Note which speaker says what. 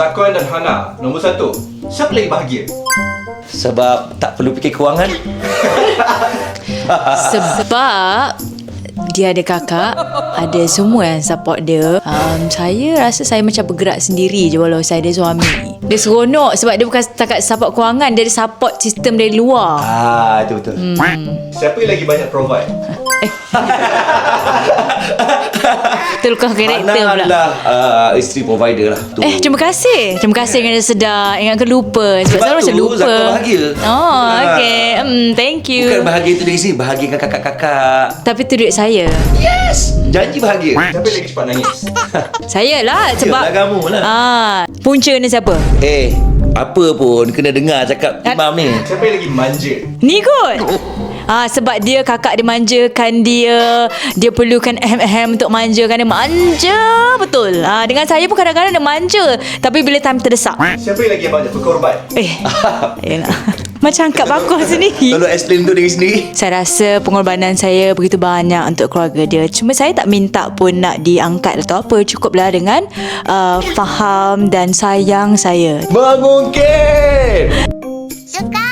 Speaker 1: Zakwan dan Hana, nombor 1. Siapa lagi bahagia?
Speaker 2: Sebab tak perlu fikir kewangan.
Speaker 3: Sebab dia ada kakak, ada semua yang support dia. Saya rasa saya macam bergerak sendiri je walau saya ada suami. Dia seronok sebab dia bukan setakat support kewangan, dia ada support sistem dari luar.
Speaker 2: Itu betul.
Speaker 1: Siapa yang lagi banyak provide?
Speaker 3: Terlukah karakter
Speaker 2: Hana
Speaker 3: pula.
Speaker 2: adalah isteri provider lah tu.
Speaker 3: Terima kasih. Terima kasih kerana sedar ingatkan lupa. Sebab saya macam
Speaker 2: tu
Speaker 3: lupa.
Speaker 2: Zakwan bahagia.
Speaker 3: Oh, okay. Thank you.
Speaker 2: Bukan bahagia tu dari sini, bahagikan kakak-kakak.
Speaker 3: Tapi tu duit saya.
Speaker 2: Yes, janji bahagia.
Speaker 1: Siapa yang lagi cepat nangis?
Speaker 3: Saya lah sebab
Speaker 2: Yalah, kamu lah.
Speaker 3: punca ni siapa?
Speaker 2: Apa pun kena dengar cakap imam ni.
Speaker 1: Siapa yang lagi manja?
Speaker 3: Ni kot. Sebab dia kakak dia manjakan dia. Dia perlukan ahem-ahem untuk manjakan dia. Manja betul. Dengan saya pun kadang-kadang dia manja. Tapi bila time terdesak.
Speaker 1: Siapa yang lagi banyak berkorban?
Speaker 3: Yelah. Macam angkat bakul sendiri.
Speaker 2: Tolong explain tu dari sendiri.
Speaker 3: Saya rasa pengorbanan saya begitu banyak untuk keluarga dia. Cuma saya tak minta pun nak diangkat atau apa. Cukuplah dengan faham dan sayang saya.
Speaker 2: Mungkin.
Speaker 4: Suka